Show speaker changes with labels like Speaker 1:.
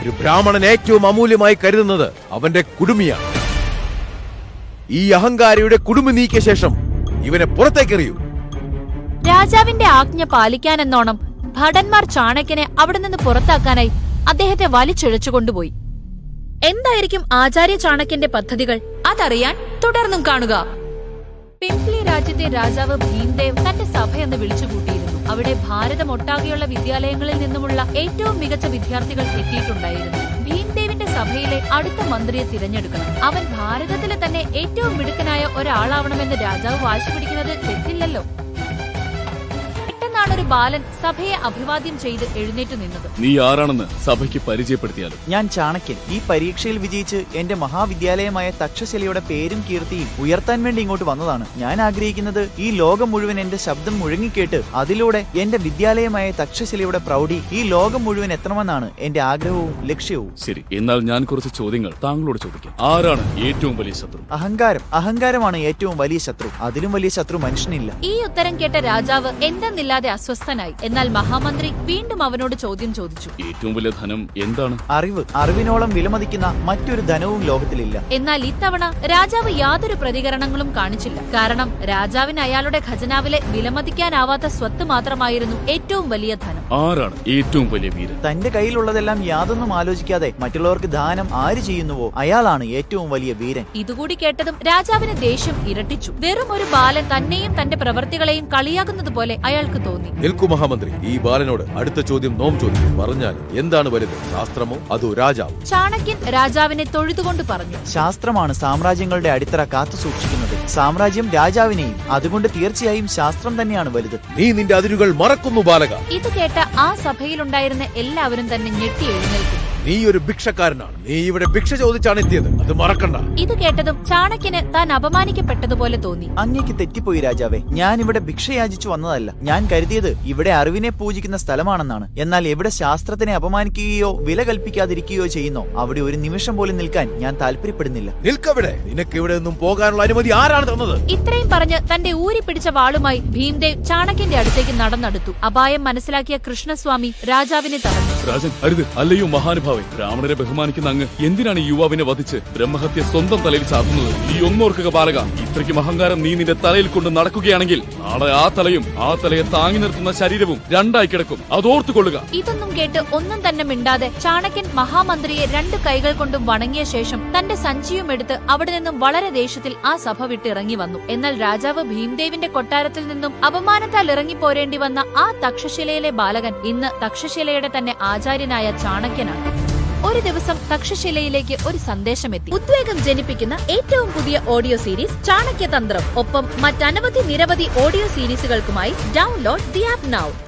Speaker 1: ഒരു ബ്രാഹ്മണൻ ഏറ്റവും അമൂല്യമായി കരുതുന്നത് അവന്റെ കുടുമിയാണ്. ഈ അഹങ്കാരിയുടെ കുടുമി നീക്കിയ ശേഷം ഇവനെ പുറത്തേക്കെറിയൂ.
Speaker 2: രാജാവിന്റെ ആജ്ഞ പാലിക്കാനെന്നോണം ഭടന്മാർ ചാണക്യനെ അവിടെ നിന്ന് പുറത്താക്കാനായി അദ്ദേഹത്തെ വലിച്ചിഴച്ചുകൊണ്ടുപോയി. എന്തായിരിക്കും ആചാര്യ ചാണക്യന്റെ പദ്ധതികൾ? അതറിയാൻ തുടർന്നും കാണുക. പിംപ്ലി രാജ്യത്തെ രാജാവ് ഭീംദേവ് തന്റെ സഭയെന്ന് വിളിച്ചുകൂട്ടിയിരുന്നു. അവിടെ ഭാരതമൊട്ടാകെയുള്ള വിദ്യാലയങ്ങളിൽ നിന്നുമുള്ള ഏറ്റവും മികച്ച വിദ്യാർത്ഥികൾ എത്തിയിട്ടുണ്ടായിരുന്നു. ഭീംദേവിന്റെ സഭയിലെ അടുത്ത മന്ത്രിയെ തിരഞ്ഞെടുക്കണം. അവൻ ഭാരതത്തിലെ തന്നെ ഏറ്റവും മിടുക്കനായ ഒരാളാവണമെന്ന് രാജാവ് വാശി പിടിക്കുന്നത് തെറ്റില്ലല്ലോ. ഒരു ബാലൻ സഭയെ അഭിവാദ്യം ചെയ്ത് എഴുന്നേറ്റ് നിന്നത്.
Speaker 3: നീ ആരാണെന്ന് സഭയ്ക്ക് പരിചയപ്പെടുത്തിയാലും.
Speaker 4: ഞാൻ ചാണക്യൻ. ഈ പരീക്ഷയിൽ വിജയിച്ച് എന്റെ മഹാവിദ്യാലയമായ തക്ഷശിലയുടെ പേരും കീർത്തിയും ഉയർത്താൻ വേണ്ടി ഇങ്ങോട്ട് വന്നതാണ്. ഞാൻ ആഗ്രഹിക്കുന്നത് ഈ ലോകം മുഴുവൻ എന്റെ ശബ്ദം മുഴങ്ങിക്കേട്ട് അതിലൂടെ എന്റെ വിദ്യാലയമായ തക്ഷശിലയുടെ പ്രൗഢി ഈ ലോകം മുഴുവൻ എത്തണമെന്നാണ് എന്റെ ആഗ്രഹവും ലക്ഷ്യവും.
Speaker 3: ശരി, എന്നാൽ ഞാൻ കുറച്ച് ചോദ്യങ്ങൾ താങ്കളോട് ചോദിക്കാം. ആരാണ് ഏറ്റവും വലിയ ശത്രു?
Speaker 4: അഹങ്കാരമാണ് ഏറ്റവും വലിയ ശത്രു. അതിലും വലിയ ശത്രു മനുഷ്യനില്ല.
Speaker 2: ഈ ഉത്തരം കേട്ട രാജാവ് എന്തെന്നില്ലാതെ അസ്വസ്ഥനായി. എന്നാൽ മഹാമന്ത്രി വീണ്ടും അവനോട് ചോദ്യം ചോദിച്ചു.
Speaker 3: ഏറ്റവും വലിയ ധനം എന്താണ്?
Speaker 4: അറിവിനോളം വിലമതിക്കുന്ന മറ്റൊരു ധനവും ലോകത്തിലില്ല.
Speaker 2: എന്നാൽ ഇത്തവണ രാജാവ് യാതൊരു പ്രതികരണങ്ങളും കാണിച്ചില്ല. കാരണം രാജാവിന് അയാളുടെ ഖജനാവിലെ വിലമതിക്കാനാവാത്ത സ്വത്ത് മാത്രമായിരുന്നു ഏറ്റവും വലിയ ധനം.
Speaker 3: ആരാണ് ഏറ്റവും വലിയ വീരൻ?
Speaker 4: തന്റെ കയ്യിലുള്ളതെല്ലാം യാതൊന്നും ആലോചിക്കാതെ മറ്റുള്ളവർക്ക് ദാനം ആര് ചെയ്യുന്നുവോ അയാളാണ് ഏറ്റവും വലിയ വീരൻ.
Speaker 2: ഇതുകൂടി കേട്ടതും രാജാവിന് ദേഷ്യം ഇരട്ടിച്ചു. വെറും ഒരു ബാലൻ തന്നെയും തന്റെ പ്രവർത്തികളെയും കളിയാക്കുന്നത് പോലെ അയാൾക്ക് തോന്നി.
Speaker 1: നിൽക്കൂ മഹാമന്ത്രി, ഈ ബാലനോട് അടുത്ത ചോദ്യം നോം ചോദിക്കും. പറഞ്ഞാൽ എന്താണ് വലുത്, ശാസ്ത്രമോ അതോ രാജാവോ?
Speaker 2: ചാണക്യൻ രാജാവിനെ തൊഴുതുകൊണ്ട് പറഞ്ഞു.
Speaker 4: ശാസ്ത്രമാണ് സാമ്രാജ്യങ്ങളുടെ അടിത്തറ കാത്തു സൂക്ഷിക്കുന്നത്. സാമ്രാജ്യം രാജാവിനെയും. അതുകൊണ്ട് തീർച്ചയായും ശാസ്ത്രം തന്നെയാണ് വലുത്.
Speaker 1: നീ നിന്റെ അതിരുകൾ മറക്കുന്നു ബാലക.
Speaker 2: ഇത് കേട്ട ആ സഭയിലുണ്ടായിരുന്ന എല്ലാവരും തന്നെ ഞെട്ടി എഴുന്നേൽക്കുന്നു.
Speaker 1: നീ ഒരു ഭിക്ഷക്കാരനാണ്. നീ ഇവിടെ ഭിക്ഷ ചോദിച്ചാണ് എത്തിയത്, അത് മറക്കണ്ട.
Speaker 2: ഇത് കേട്ടതും ചാണക്യന് താൻ അപമാനിക്കപ്പെട്ടതുപോലെ തോന്നി.
Speaker 4: അങ്ങേക്ക് തെറ്റിപ്പോയി രാജാവേ. ഞാൻ ഇവിടെ ഭിക്ഷ യാചിച്ചു വന്നതല്ല. ഞാൻ കരുതിയത് ഇവിടെ അറിവിനെ പൂജിക്കുന്ന സ്ഥലമാണെന്നാണ്. എന്നാൽ എവിടെ ശാസ്ത്രത്തിനെ അപമാനിക്കുകയോ വില കൽപ്പിക്കാതിരിക്കുകയോ ചെയ്യുന്നോ അവിടെ ഒരു നിമിഷം പോലും നിൽക്കാൻ ഞാൻ താല്പര്യപ്പെടുന്നില്ല.
Speaker 1: നിൽക്കവിടെ. നിനക്ക് ഇവിടെ നിന്നും പോകാനുള്ള അനുമതി ആരാണ് തന്നത്?
Speaker 2: ഇത്രയും പറഞ്ഞ് തന്റെ ഊരി പിടിച്ച വാളുമായി ഭീംദേവ് ചാണക്യന്റെ അടുത്തേക്ക് നടന്നെടുത്തു. അപായം മനസ്സിലാക്കിയ കൃഷ്ണസ്വാമി രാജാവിനെ തടഞ്ഞു.
Speaker 3: രാജൻ, അരുത്. അല്ലയോ മഹാനുഭാവൻ, ബ്രാഹ്മണരെ ബഹുമാനിക്കുന്ന അങ്ങ് എന്തിനാണ് ഈ യുവാവിനെ വധിച്ച് ബ്രഹ്മഹത്യ സ്വന്തം തലയിൽ ചാർത്തുന്നത്? ഈ ഒന്നോർക്കുക ബാലക, ഇത്രയ്ക്കും അഹങ്കാരം നീ നിന്റെ തലയിൽ കൊണ്ട് നടക്കുകയാണെങ്കിൽ നാളെ ആ തലയെ താങ്ങി നിർത്തുന്ന ശരീരവും രണ്ടായി കിടക്കും. അതോർത്തുകൊള്ളുക.
Speaker 2: ഇതൊന്നും കേട്ട് ഒന്നും തന്നെ മിണ്ടാതെ ചാണക്യൻ മഹാമന്ത്രിയെ 2 കൈകൾ കൊണ്ടും വണങ്ങിയ ശേഷം തന്റെ സഞ്ചിയും എടുത്ത് അവിടെ നിന്നും വളരെ ദേഷ്യത്തിൽ ആ സഭ വിട്ട് ഇറങ്ങി വന്നു. എന്നാൽ രാജാവ് ഭീംദേവിന്റെ കൊട്ടാരത്തിൽ നിന്നും അപമാനത്താൽ ഇറങ്ങിപ്പോരേണ്ടി വന്ന ആ തക്ഷശിലയിലെ ബാലകൻ ഇന്ന് തക്ഷശിലയുടെ തന്നെ ആചാര്യനായ ചാണക്യനാണ്. ഒരു ദിവസം തക്ഷശിലയിലേക്ക് ഒരു സന്ദേശമെത്തി. ഉദ്വേഗം ജനിപ്പിക്കുന്ന ഏറ്റവും പുതിയ ഓഡിയോ സീരീസ് ചാണക്യതന്ത്രം. ഒപ്പം മറ്റനവധി നിരവധി ഓഡിയോ സീരീസുകൾക്കുമായി ഡൗൺലോഡ് ദി ആപ്പ് നൗ.